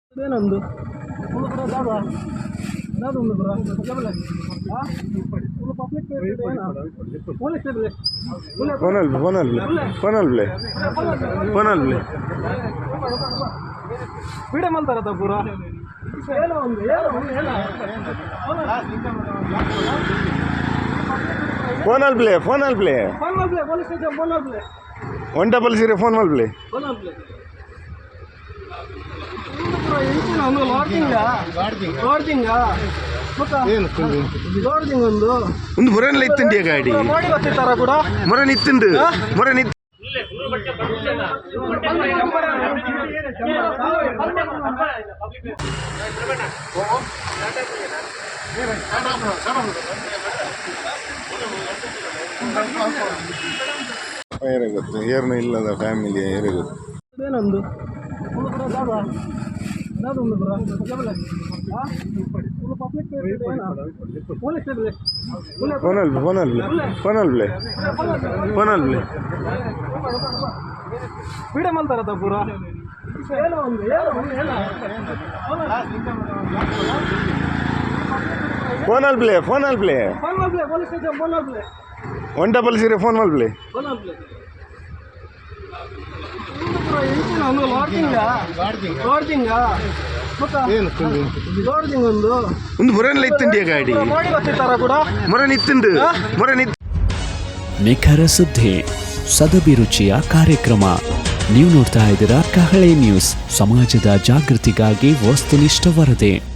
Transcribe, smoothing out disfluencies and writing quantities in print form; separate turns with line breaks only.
ಏನೊಂದು ಒಂದು ಕೂಡ ಜಾಗ ಒಂದು ಕೂಡ ಪೊಲೀಸ್ ಪೀಡೆ ಮಾಡ್ತಾರ ಪೂರ ಏನೋ ಒಂದು
ಫೋನಲ್ಲಿ ಪ್ಲೇ
ಪೊಲೀಸ್ ಸ್ಟೇಷನ್ ಫೋನಲ್ಲಿ ಪ್ಲೇ
100 ಫೋನ್ ಪ್ಲೇ
ಒಂದು
ಒಂದು ಮೊರನೆಲ್ಲ ಇತ್ತಂಡಿಯ ಗಾಡಿ
ನೋಡಿ ಗೊತ್ತಿತ್ತಾರ ಕೂಡ
ಮೊರನ್ ಇತ್ತುಂಡು ಮೊರನ್ ಇತ್ತು ಗೊತ್ತು ಏರ್ನ ಇಲ್ಲದ ಫ್ಯಾಮಿಲಿ ಏರೇ ಗೊತ್ತು
ಏನೊಂದು ಒಂದು ಕೂಡ ಜಾಗ ಒಂದು ಕೂಡ ಪೊಲೀಸ್
ಫೋನಲ್ಲಿ
ಪೀಡೆ ಮಾಡ್ತಾರ ಪೂರ ಏನೋ ಒಂದು
ಫೋನಲ್ಲಿ ಪ್ಲೇ
ಪೊಲೀಸ್ ಸ್ಟೇಷನ್ ಫೋನಲ್ಲಿ ಪ್ಲೇ
100 ಫೋನ್ ಪ್ಲೇ ಒಂದು ಮೊರನೆಲ್ಲ ಇತ್ತಂಡಿಯ ಗಾಡಿ
ನೋಡಿ ಗೊತ್ತಿತ್ತಾರ ಕೂಡ
ಮೊರನ್ ಇತ್ತುಂಡು
ನಿಖರ ಸುದ್ದಿ ಸದಭಿರುಚಿಯ ಕಾರ್ಯಕ್ರಮ. ನೀವು ನೋಡ್ತಾ ಇದ್ದೀರಾ ಕಹಳೆ ನ್ಯೂಸ್, ಸಮಾಜದ ಜಾಗೃತಿಗಾಗಿ ವಸ್ತುನಿಷ್ಠ ವರದಿ.